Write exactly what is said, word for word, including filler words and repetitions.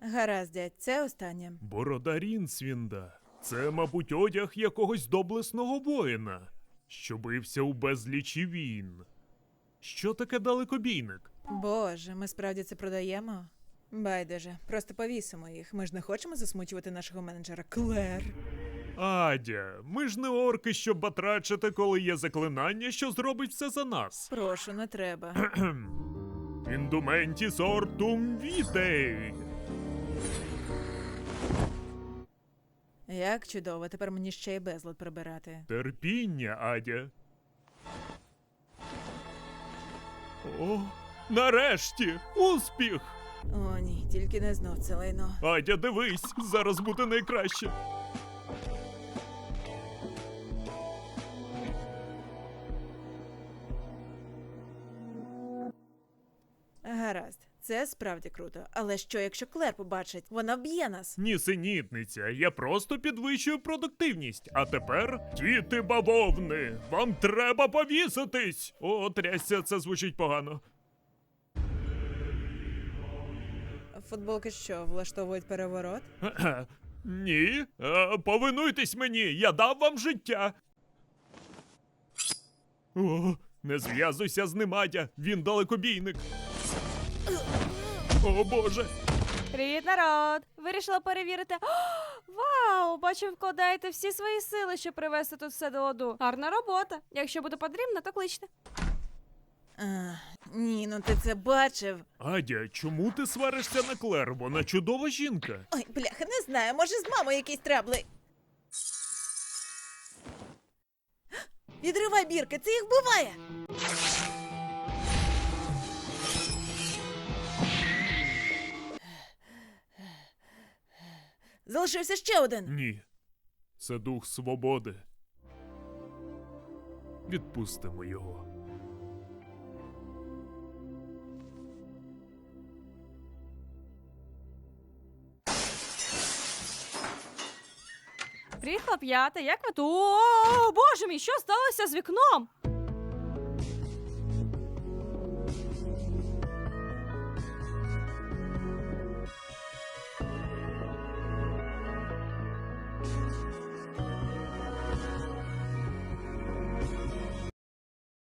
Гаразд, дядь, це останнє. Борода Рінсвінда. Це, мабуть, одяг якогось доблесного воїна, що бився у безлічі війн. Що таке далекобійник? Боже, ми справді це продаємо? Байдуже, просто повісимо їх. Ми ж не хочемо засмучувати нашого менеджера Клер. Адя, ми ж не орки, щоб батрачити, коли є заклинання, що зробить все за нас. Прошу, не треба. Індументіс ортум вітей. Як чудово, тепер мені ще й безлад прибирати. Терпіння, Адя. О, нарешті! Успіх! О, ні, тільки не знов це лайно. Адя, дивись, зараз буде найкраще. Гаразд, це справді круто. Але що, якщо Клер побачить? Вона вб'є нас. Нісенітниця, я просто підвищую продуктивність. А тепер, діти бавовни, вам треба повіситись! О, трясся, це звучить погано. Футболки що, влаштовують переворот? Кхе-кхе. Ні, е, повинуйтесь мені, я дав вам життя. О, не зв'язуйся з ним, Адя, він далекобійник. О, Боже. Привіт, народ! Вирішила перевірити. О, вау! Бачу, вкладаєте всі свої сили, щоб привести тут все до ладу. Гарна робота. Якщо буде потрібно, то кличте. А, ні, ну ти це бачив. Адя, чому ти сваришся на Клер? Вона чудова жінка. Ой, бляха, не знаю, може з мамою якісь трабли. Відривай бірки, це їх вбиває. Залишився ще один. Ні, це дух свободи. Відпустимо його. Приїхала п'ята, як ви тут? О, боже мій, що сталося з вікном?